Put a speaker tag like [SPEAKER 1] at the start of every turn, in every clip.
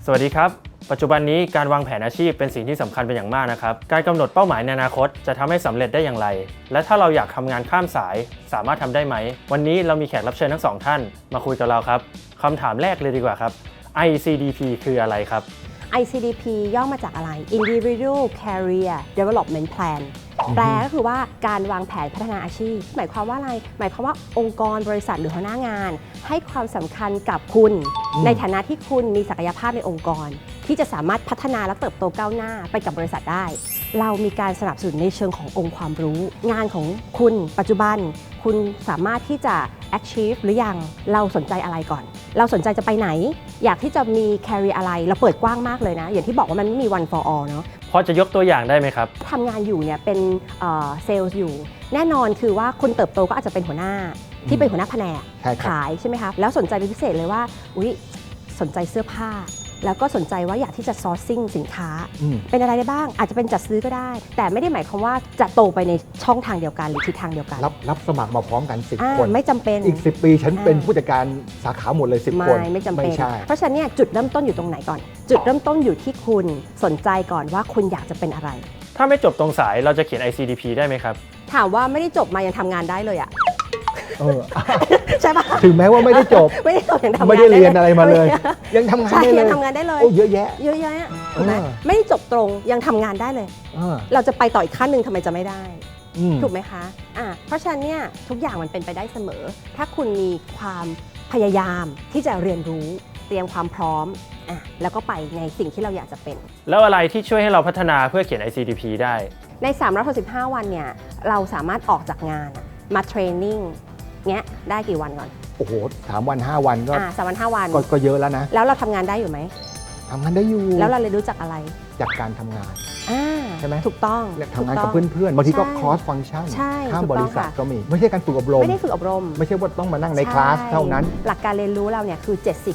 [SPEAKER 1] สวัสดีครับปัจจุบันนี้การวางแผนอาชีพเป็นสิ่งที่สำคัญเป็นอย่างมากนะครับการกำหนดเป้าหมายในอนาคตจะทำให้สำเร็จได้อย่างไรและถ้าเราอยากทำงานข้ามสายสามารถทำได้ไหมวันนี้เรามีแขกรับเชิญทั้งสองท่านมาคุยกับเราครับคำถามแรกเลยดีกว่าครับ ICDP คืออะไรครับ
[SPEAKER 2] ICDP ย่อมาจากอะไร Individual Career Development Plan แปลก็คือว่าการวางแผนพัฒนาอาชีพหมายความว่าอะไรหมายความว่าองค์กรบริษัทหรือหัวหน้างานให้ความสำคัญกับคุณในฐานะที่คุณมีศักยภาพในองค์กรที่จะสามารถพัฒนาและเติบโตก้าวหน้าไปกับบริษัทได้เรามีการสนับสนุนในเชิงขององค์ความรู้งานของคุณปัจจุบันคุณสามารถที่จะ achieve หรือยังเราสนใจอะไรก่อนเราสนใจจะไปไหนอยากที่จะมี career อะไรเราเปิดกว้างมากเลยนะอย่างที่บอกว่ามันไม่มี one for all เนาะ
[SPEAKER 1] พอจะยกตัวอย่างได้ไหมครับ
[SPEAKER 2] ทำงานอยู่เนี่ยเป็นเซลล์อยู่แน่นอนคือว่าคุณเติบโตก็อาจจะเป็นหัวหน้าที่เป็นหัวหน้าแผนกขายใช่ไหมคะแล้วสนใจเป็นพิเศษเลยว่าสนใจเสื้อผ้าแล้วก็สนใจว่าอยากที่จะ sourcing สินค้าเป็นอะไรได้บ้างอาจจะเป็นจัดซื้อก็ได้แต่ไม่ได้หมายความว่าจะโตไปในช่องทางเดียวกันหรือทิศทางเดียวกัน
[SPEAKER 3] รับสมัครมาพร้อมกัน10 คน
[SPEAKER 2] ไม่จำเป็น
[SPEAKER 3] อีก10 ปีฉันเป็นผู้จัดการสาขาหมดเลย10 คน
[SPEAKER 2] ไม่จำเป็นเพราะฉะนั้นเนี่ยจุดเริ่มต้นอยู่ตรงไหนก่อนจุดเริ่มต้นอยู่ที่คุณสนใจก่อนว่าคุณอยากจะเป็นอะไร
[SPEAKER 1] ถ้าไม่จบตรงสายเราจะเขียน ICDP ได้ไหมครับ
[SPEAKER 2] ถามว่าไม่ได้จบมายังทำงานได้เลยอะใช่ปะ
[SPEAKER 3] ถึงแม้ว่าไม่ได้จบ
[SPEAKER 2] ยังทำงาน
[SPEAKER 3] ไม่ได้เรียนอะไรมาเลยยังทำงานได้เลย
[SPEAKER 2] ยังทำงานได้เลย
[SPEAKER 3] เยอะแยะ
[SPEAKER 2] ถูกไหมไม่ได้จบตรงยังทำงานได้เลยเราจะไปต่ออีกขั้นหนึ่งทำไมจะไม่ได้ถูกไหมคะเพราะฉะนั้นเนี่ยทุกอย่างมันเป็นไปได้เสมอถ้าคุณมีความพยายามที่จะเรียนรู้เตรียมความพร้อมแล้วก็ไปในสิ่งที่เราอยากจะเป็น
[SPEAKER 1] แล้วอะไรที่ช่วยให้เราพัฒนาเพื่อเขียน ICDP ได้
[SPEAKER 2] ใน365วันเนี่ยเราสามารถออกจากงานมาเทรนนิ่งเงี้ยได้กี่วันก่อน
[SPEAKER 3] โอ้โห3 วัน 5 วันก็
[SPEAKER 2] 3 วัน 5 วัน
[SPEAKER 3] ก็เยอะแล้วนะ
[SPEAKER 2] แล้วเราทำงานได้อยู่ไหม
[SPEAKER 3] ทำงานได้อยู่
[SPEAKER 2] แล้วเราเลยรู้จักอะไร
[SPEAKER 3] จากการทำงานใช่ไหม
[SPEAKER 2] ถูกต้อง
[SPEAKER 3] ทำงานกับเพื่อนๆบางทีก็ cross function ข้ามบริษัทก็มีไม่ใช่การฝึกอบรม
[SPEAKER 2] ไม่ได้ฝึกอบรม
[SPEAKER 3] ไม่ใช่ว่าต้องมานั่งในคลาสเท่านั้น
[SPEAKER 2] หลักการเรียนรู้เราเนี่ยคือ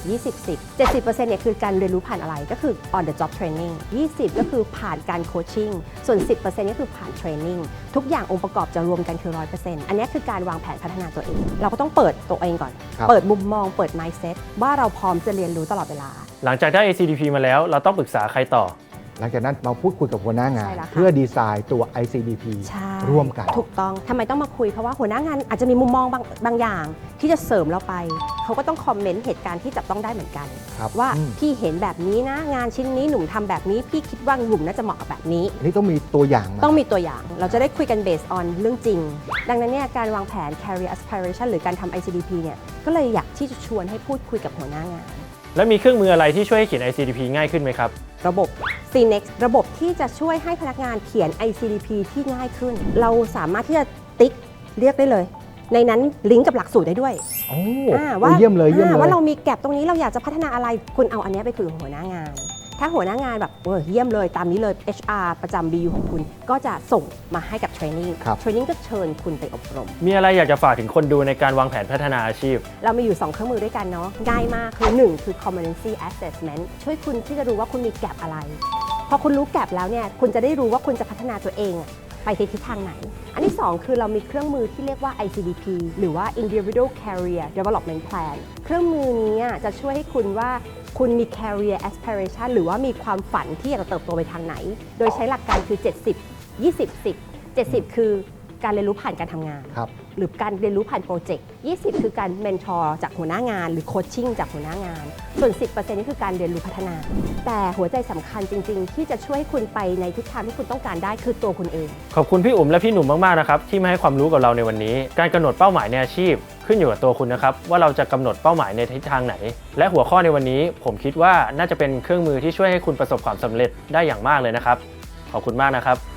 [SPEAKER 2] 70% เนี่ยคือการเรียนรู้ผ่านอะไรก็คือ on the job training 20ก็คือผ่านการโคชชิ่งส่วน 10% ก็คือผ่านเทรนนิ่งทุกอย่างองค์ประกอบจะรวมกันคือ 100% อันนี้คือการวางแผนพัฒนาตัวเองเราก็ต้องเปิดตัวเองก่อนเปิดมุมมองเปิด mindset ว่าเราพร้อมจะเรียนรู้ตลอดเวลา
[SPEAKER 1] หลังจากได้ ICDP มาแล้วเราต้องปรึกษาใครต่อ
[SPEAKER 3] หลังจากนั้นมาพูดคุยกับหัวหน้างานเพื่อดีไซน์ตัว ICDP ร่วมกัน
[SPEAKER 2] ถูกต้องทำไมต้องมาคุยเพราะว่าหัวหน้างานอาจจะมีมุมมองบางอย่างที่จะเสริมเราไปเขาก็ต้องคอมเมนต์เหตุการณ์ที่จับต้องได้เหมือนกันว่าพี่เห็นแบบนี้นะงานชิ้นนี้หนุ่มทำแบบนี้พี่คิดว่าหนุ่มน่าจะเหมาะกับแบบนี้
[SPEAKER 3] นี่ต้องมีตัวอย่าง
[SPEAKER 2] ต้องมีตัวอย่างเราจะได้คุยกัน based on เรื่องจริงดังนั้นเนี่ยการวางแผน career aspiration หรือการทำ ICDP เนี่ยก็เลยอยากที่จะชวนให้พูดคุยกับหัวหน้างาน
[SPEAKER 1] และมีเครื่องมืออะไรที่ช่วยให้เขียน ICDP ง่ายขึ้นไหมครับ
[SPEAKER 2] ระบบ CNext ระบบที่จะช่วยให้พนักงานเขียน ICDP ที่ง่ายขึ้นเราสามารถที่จะติ๊กเรียกได้เลยในนั้นลิงก์กับหลักสูตรได้ด้วย
[SPEAKER 3] ว่าเยี่ยมเลย
[SPEAKER 2] ว่าเรามีแก็บตรงนี้เราอยากจะพัฒนาอะไรคุณเอาอันนี้ไปคุยกับหัวหน้างานถ้าหัวหน้างานแบบเยี่ยมเลยตามนี้เลย HR ประจำ BU ของคุณก็จะส่งมาให้กับเทรนนิ่งก็เชิญคุณไปอบรม
[SPEAKER 1] มีอะไรอยากจะฝากถึงคนดูในการวางแผนพัฒนาอาชีพ
[SPEAKER 2] เรามีอยู่2เครื่องมือด้วยกันเนาะง่ายมากคือ1คือ competency assessment ช่วยคุณที่จะรู้ว่าคุณมีแก็บอะไรพอคุณรู้แก็บแล้วเนี่ยคุณจะได้รู้ว่าคุณจะพัฒนาตัวเองไปในทิศทางไหนอันที่2คือเรามีเครื่องมือที่เรียกว่า ICDP หรือว่า Individual Career Development Plan เครื่องมือนี้จะช่วยให้คุณว่าคุณมี career aspiration หรือว่ามีความฝันที่อยากจะเติบโตไปทางไหนโดยใช้หลักการคือ70 20 10 70คือการเรียนรู้ผ่านการทำงานหรือการเรียนรู้ผ่านโปรเจกต์20คือการเมนทอร์จากหัวหน้างานหรือโคชชิ่งจากหัวหน้างานส่วน 10% นี่คือการเรียนรู้พัฒนาแต่หัวใจสำคัญจริงๆที่จะช่วยให้คุณไปในทิศทางที่คุณต้องการได้คือตัวคุณเอง
[SPEAKER 1] ขอบคุณพี่อุ๋มและพี่หนุ่มมากๆนะครับที่มาให้ความรู้กับเราในวันนี้การกำหนดเป้าหมายในอาชีพขึ้นอยู่กับตัวคุณนะครับว่าเราจะกำหนดเป้าหมายในทิศทางไหนและหัวข้อในวันนี้ผมคิดว่าน่าจะเป็นเครื่องมือที่ช่วยให้คุณประสบความสำเร็จได้อย่างมากเลยนะครับขอบคุณมากนะครับ